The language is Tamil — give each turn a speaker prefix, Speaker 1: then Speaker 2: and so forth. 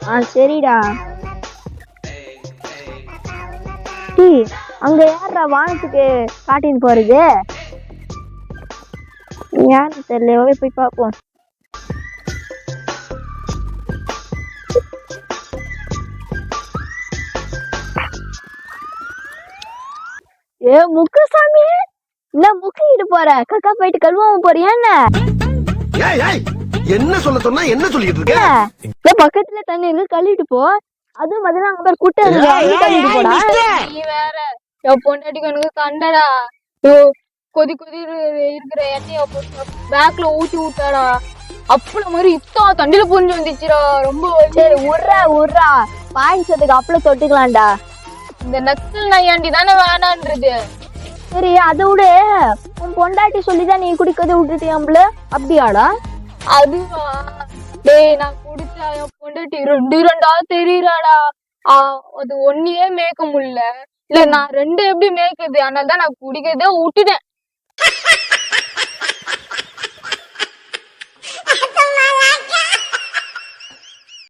Speaker 1: சரிடா. அங்க யாரா வானத்துக்கு காட்டின்னு போறது? யாரு தெரியல, போய் பார்ப்போம். ஏ முக்குசாமி, என்ன முக்கிட்டு போற? கக்கா போயிட்டு கழுவாம போறியா என்ன?
Speaker 2: என்ன சொல்ல சொன்னா என்ன சொல்லிட்டு இருக்க?
Speaker 1: பக்கத்துல தண்ணி இருக்கு, கழுவிட்டு போ. அதுவும் பதிலா அங்க பேர் குட்டை கழுவிட்டு போடா.
Speaker 3: நீ வேற பொண்டாட்டி கணக்கு கண்டடா. கொதி கொதி இருக்கிற எண்ணெய பேக்ல ஊத்தி விட்டாடா. அப்பளம் மாதிரி இத்தா தண்டில புரிஞ்சு வந்துச்சுடா. ரொம்ப
Speaker 1: சரி உர்றா பாயிச்சதுக்கு அப்பளம் தொட்டுக்கலாம்டா.
Speaker 3: இந்த நக்கல் நையாண்டி தானே வேணான்றது.
Speaker 1: சரி அதை விட உன் பொண்டாட்டி சொல்லிதான் நீ குடிக்கதை விட்டுட்டியாம்பல, அப்படியாடா?
Speaker 3: அதுவா? டேய், நான் குடிச்சா என் பொண்டாட்டி ரெண்டா தெரியுறாடா. அது ஒன்னையே மேய்க்க முடியல. இல்ல நான் ரெண்டு எப்படி மேய்க்கிறது? அதனாலதான் நான் குடிக்கிறதே விட்டுட்டேன்.